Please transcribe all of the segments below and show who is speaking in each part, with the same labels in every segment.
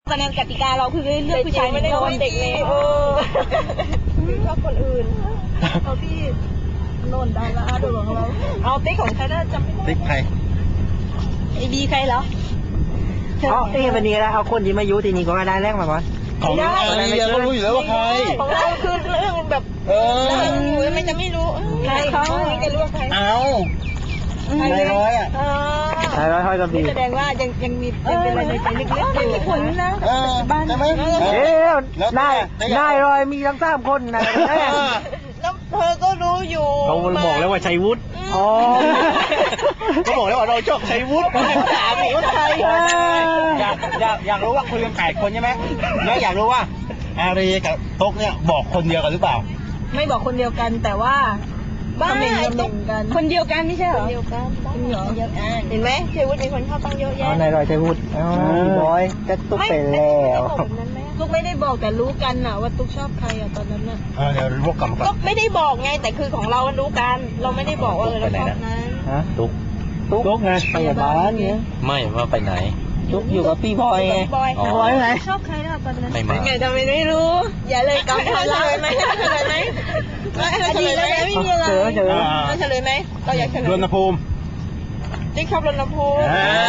Speaker 1: ตอนนั้นกติกาเราคือเลือกผู้ชายไม่ได้คนเด็กเลยชอบคนอื่นเอาพี่โนนดาราดูของเราเอาติ๊กของใครน่าจำไม่ได้
Speaker 2: ติ๊กใคร
Speaker 1: ไอบีใครเหรอ
Speaker 3: เอาติ๊กวันนี้แล้วเอาคนที่มายุทีนี้ก็ได้แรกมาก่อน
Speaker 2: ของอะไรเรารู้อยู่แล้วว่าใคร
Speaker 1: ของเราคือเรื่องแบบไม่จะไม่รู้ใครเขาจะรู้ว่าใคร
Speaker 2: เอานายร้อยอ่ะ
Speaker 3: นายร้อยห้อยกระบี่
Speaker 1: แสดงว่ายังมีเป็นอะไรในใจลึกๆไม่มีผลนะ
Speaker 2: บ้านใช่ไหม
Speaker 3: นายร้อยมีทั้ง3 คนนะ
Speaker 1: แล้วเธอก็รู้อยู่
Speaker 3: เขาบอกแล้วว่าชัยวุฒิ
Speaker 2: ก็บอกแล้วว่าเราชอบชัยวุฒิถามอีกว่าใครอยากรู้ว่าคุยกัน8 คนใช่ไหมแล้วอยากรู้ว่าอารีกับต๊กเนี่ยบอกคนเดียวกันหรือเปล่า
Speaker 1: ไม่บอกคนเดียวกันแต่ว่าบ้านกันคนเดียวกันไม่ใช่เหรอคนเดียวกันเห็นไหมชัยวุฒิมีคนเข้าตั้งเยอะแยะ
Speaker 3: นายร้อยชัยวุฒิพี่บอยจะตุ๊กไปแล้ว
Speaker 1: ตุ๊กไม่ได้บอกแต่รู้กันน่ะว่าตุ๊กชอบใครตอนนั้นน่ะ
Speaker 2: เดี๋ยวรู้กลับมา
Speaker 1: ตุ๊กไม่ได้บอกไงแต่คือของเรารู้กันเราไม่ได้บอกว่าเราชอบนั้น
Speaker 3: ตุ๊กไงไปบ้านเนี่ย
Speaker 4: ไม่ว่าไปไหน
Speaker 3: ตุ๊กอยู่กับพี่บอยไง
Speaker 1: บอยไหนชอบใครนะตอนนั้นไงทำไมไม่รู้อย่าเลยกำเฉลยไหมเฉลยไหมเฉลยไหมไม่มีอะไรเฉลยไหมเราอยากเฉลย
Speaker 2: รณภูมิ
Speaker 1: ติ๊กชอบรณภูมิ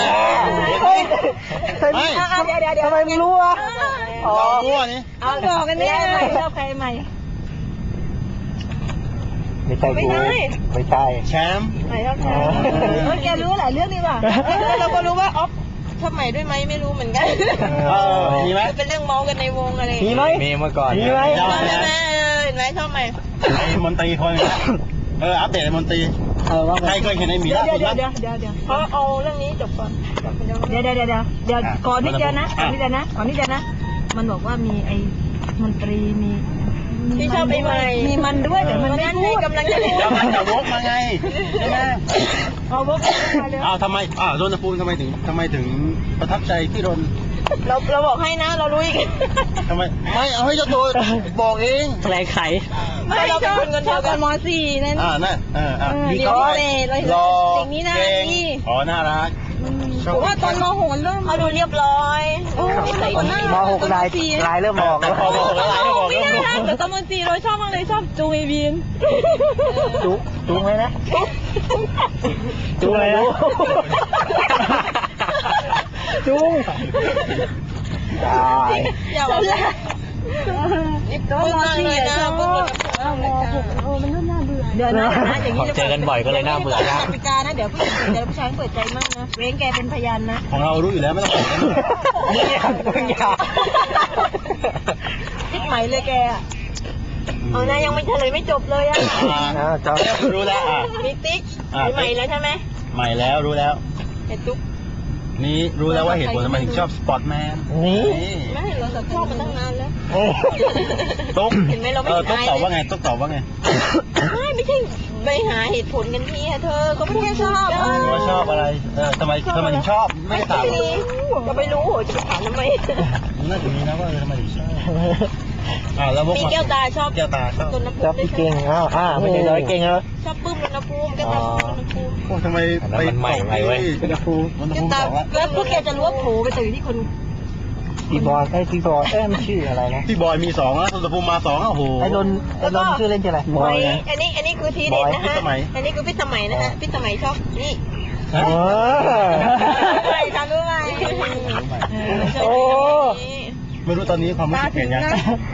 Speaker 3: ทำไมไม่รู้อ่ะ
Speaker 2: มั่วนี่
Speaker 1: เอาบอกกันเนี่ยชอบใครใหม่
Speaker 3: ไม่ใช่กูไม่ใช่
Speaker 2: แชมป์
Speaker 1: ใหม่ชอบแชมป์แกรู้หลายเรื่องดีว่ะเราก็รู้ว่าออฟชอบใหม่ด้วยไหมไม่รู้เหมือนกัน
Speaker 2: มีไหม
Speaker 1: เป็นเรื่องเมากันในวงอะไร
Speaker 3: มีไหม
Speaker 4: มีเมื่อก่อน
Speaker 3: มีไหม
Speaker 1: เห็นไหมชอบใหม่
Speaker 2: ไอ้มนตรีคนอัปเดตไอ้มนตรีใครเคยเห็นไอ้หมี
Speaker 1: เดี๋ยวเพราะเอาเรื่องนี้จบก่อนเดี๋ยวก่อนนิดเดียวนะมันบอกว่ามีไอ้มนตรีมีที่ชอบไอ้ใหม่มีมันด้วยแต่มันไม่พูดกำลังจะพูด
Speaker 2: จะวกมาไงใช่ไหม
Speaker 1: เอาวกมาเลย
Speaker 2: ทำไมรณภูมิทำไมถึงประทับใจที่รน
Speaker 1: เราบอกให้นะเรารู้อีก
Speaker 2: ทำไมไม่เอาให้เจ้าตัวบอกเอง
Speaker 3: แปลไข
Speaker 1: ไม่เราเป็นคนเดียวกันม.4นั่น
Speaker 2: นั่น
Speaker 1: ดีก็รอสิ่งนี้นะนี่
Speaker 2: น่ารัก
Speaker 1: ผมว่าตอนม.6เริ่มมาดูเรียบร้อย
Speaker 3: ม.6ลายเริ่มออก
Speaker 1: ไม่ได้นะแต่ตอนม.4เราชอบมากเลยชอบจูเอบีน
Speaker 3: จูไหมนะจูอะไรนะจูได้
Speaker 1: อย่าบอกเลยก็ม.4เลยนะม.6มันน่าเบื่อเดี๋ยวนะอย่างนี้
Speaker 4: เจอกันบ่อยก็เลยน่าเบื่อนะ
Speaker 1: กติกานะเดี๋ยวผู้ชายเปิดใจมั่งนะเว้นแกเป็นพยานนะ
Speaker 2: ของเรารู้อยู่แล้วไม่ต้องบอก
Speaker 3: นี่มึงอย่า
Speaker 1: ติ๊กใหม่เลยแกเอานะยังไม่เฉลยไม่จบเลย
Speaker 3: จบ
Speaker 2: รู้แล้ว
Speaker 1: มีติ๊กใหม่แล้วใช่ไหม
Speaker 2: ใหม่แล้วรู้แล้ว
Speaker 1: เห็นตุ๊ก
Speaker 2: นี่รู้แล้วว่าเหตุผลทำไมถึงชอบสปอร์ตแมน
Speaker 3: นี่
Speaker 1: ไม่เราชอบมาตั้งนานแล้ว
Speaker 2: ตุ๊ก
Speaker 1: เห็นไหมเราไม่
Speaker 2: ตุ๊กตอบว่าไงตุ๊กตอบว่าไง
Speaker 1: ไม่ใช่ไปหาเหตุผลกันที่เธอก็ไม่ชอบ
Speaker 2: ว่าชอบอะไรทำไมถึงชอบไม่ถาม
Speaker 1: ก็ไม่รู้จะถามทำไม
Speaker 2: น่าจะมีนะว่าทำไมถึงชอบแล้วพวก
Speaker 1: แก้วตาชอบ
Speaker 2: แก้วตาช
Speaker 3: อบพี่เก่งไม่ใช่ร้อยเก่งเหรอ
Speaker 1: ชอบปื้มรณภูมิแก้วตาปื้มรณภูมิ
Speaker 2: ทำไมไป
Speaker 4: ใหม่ไงเว้ย
Speaker 2: รณภูมิ
Speaker 1: แล้วพวกแกจะรู้ว่าโผล่ไปตื่นที่คน
Speaker 3: พี่บอยมันชื่ออะไรนะ
Speaker 2: พี่บอยมี2แล้วรณภูมิมา2โอ้โห
Speaker 3: ไอ้นนชื่อเล่นชื่ออะไร
Speaker 1: บอยอันนี้คือทีเด็ดนะฮะอันนี้คือพี่สมัยนะฮะพี่สมัยชอบนี่ใครทำรู้ไหม
Speaker 2: โอ้ไม่รู้ตอนนี้ความรู้สึกเปลี่ยนยัง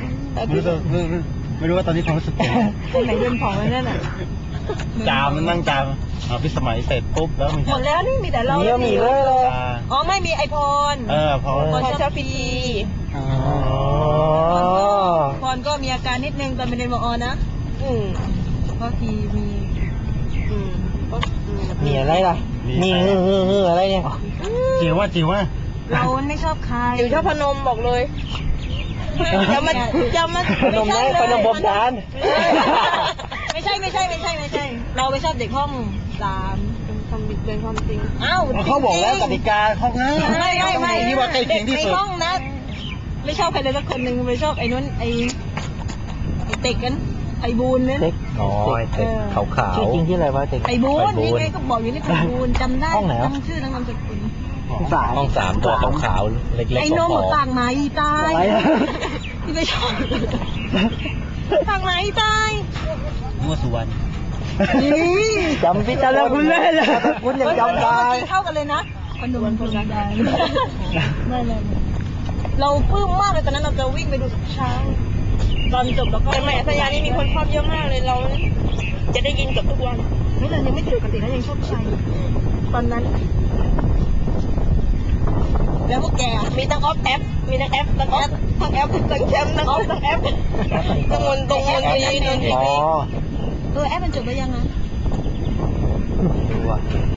Speaker 2: ไม่รู้ว่าตอนนี้ความรู้สึกเปลี่ยน
Speaker 1: คนไหนเดินผ่องแล้วนั่นน่ะ
Speaker 2: จามนั่งจามพี่สมัยเสร็จปุ๊บแล้ว
Speaker 1: หมดแล้วนี่มีแต่เรา
Speaker 3: มีเลย
Speaker 1: ไม่มีไอพรพรชอบพีพรก็มีอาการนิดนึงตอนเป็นเรียนม.นะเพราะที
Speaker 3: มีอะไรล่ะมีอะไรเนี่ย
Speaker 2: จิ๋วว่า
Speaker 1: เราไม่ชอบใครจิ๋วชอบพนมบอกเลยจะมา
Speaker 3: พนมได้พนมบดาน
Speaker 1: ไม่ใช่เราไม่ชอบเด็กห้อง3ทำบิดเบือนความจริง
Speaker 2: เขาบอกแล้วกติกาเขาง่าย
Speaker 1: ไม่
Speaker 2: ที่ว่าใกล้เคียงที่สุด
Speaker 1: ในห้องนะไม่ชอบใครเลยสักคนหนึ่งไม่ชอบไอ้นู้นไอ้เต็กกันไอ้บูนเนี่ย
Speaker 3: เต็ก
Speaker 4: ขาว
Speaker 3: ชื่อจริงที่อะไรวะเต็ก
Speaker 1: ไอ้บูนนี่ไงก็บอกอยู่นี่ไอ้บูนจำได้จำชื่อนามสกุล
Speaker 3: สาม
Speaker 4: ห้องสามตัวขาวๆเล็กๆ
Speaker 1: ไอ้นม
Speaker 4: ผอม
Speaker 1: ต่างไหนตาย
Speaker 3: อะไรนะ
Speaker 1: ที่ไม่ชอบต่างไหนตาย
Speaker 2: มั่วสุวรรณ
Speaker 3: จำพี่จำแล้วคุณเลยเลยคุณยังจำได้
Speaker 1: เท่ากันเลยนะขนมคนได้ไม่เลยเราปลื้มมากเลยตอนนั้นเราจะวิ่งไปดูทุกเช้าตอนจบแล้วก็
Speaker 5: แต่แหม่สัญญานี่มีคนชอบเยอะมากเลยเราจะได้ยินเกับทุกวัน
Speaker 1: นี่เรายังไม่ปกติแล้วยังชอบใช้ตอนนั้น แล้วพวกแก
Speaker 5: มีทั้งออฟแอปมีทั้งแอปทั้งออฟทั้งแอปทั้งแชมป์ทั้งออฟทั้งแอปทั้งมนตรงมนตรีนนท
Speaker 3: อ๋อ
Speaker 1: แอปมันจบไปยังไง
Speaker 3: ดูอ่ะ